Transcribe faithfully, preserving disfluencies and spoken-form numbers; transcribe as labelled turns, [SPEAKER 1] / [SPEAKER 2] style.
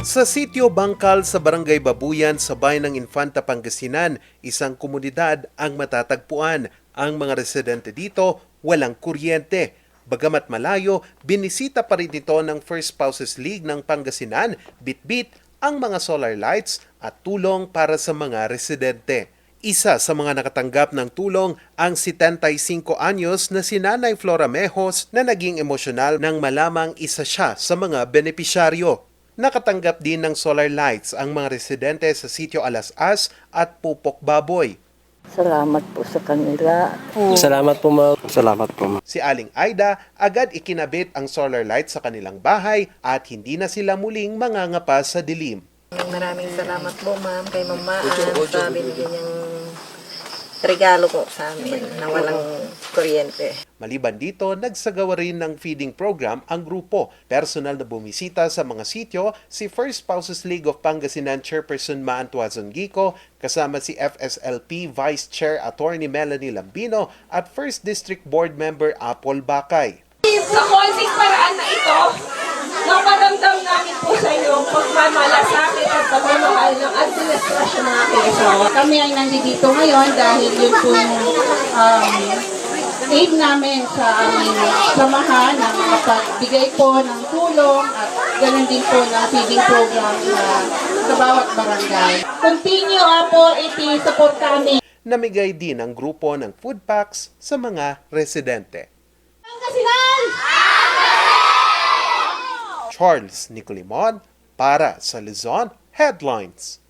[SPEAKER 1] Sa sitio Bangkal sa Barangay Babuyan sa bayan ng Infanta, Pangasinan, isang komunidad ang matatagpuan. Ang mga residente dito walang kuryente. Bagamat malayo, binisita pa rin ito ng First Spouses League ng Pangasinan, bitbit ang mga solar lights at tulong para sa mga residente. Isa sa mga nakatanggap ng tulong ang setenta-y-singko anyos na si Nanay Flora Mejos na naging emosyonal nang malamang isa siya sa mga benepisyaryo. Nakatanggap din ng solar lights ang mga residente sa sitio Alas-As at Pupok Baboy.
[SPEAKER 2] Salamat po sa kanila.
[SPEAKER 3] Salamat po, ma'am. Salamat po, ma'am.
[SPEAKER 1] Si Aling Aida agad ikinabit ang solar lights sa kanilang bahay at hindi na sila muling mangangapa sa dilim.
[SPEAKER 4] Maraming salamat po, ma'am, kay Mama sa binigyan niyang regalo po sa amin na walang kuryente.
[SPEAKER 1] Maliban dito, nagsagawa rin ng feeding program ang grupo. Personal na bumisita sa mga sityo si First Spouses League of Pangasinan Chairperson Maan Tuazon Gico, kasama si F S L P Vice Chair Attorney Melanie Lambino at First District Board Member Apol Bakay.
[SPEAKER 5] Sa konting paraan na ito, naparamdam namin po sa inyo pagmamalasakit at pagmamahal ng administrasyon ng aking asawa.
[SPEAKER 6] Kami ay nandito ngayon dahil yun po yung um, aid namin sa aming samahan na makapagbigay po ng tulong at ganoon din po ng feeding program sa, sa bawat barangay.
[SPEAKER 5] Continue uh, po iti-support kami.
[SPEAKER 1] Namigay din ang grupo ng food packs sa mga residente. Charles Nicolimon para sa Luzon Headlines.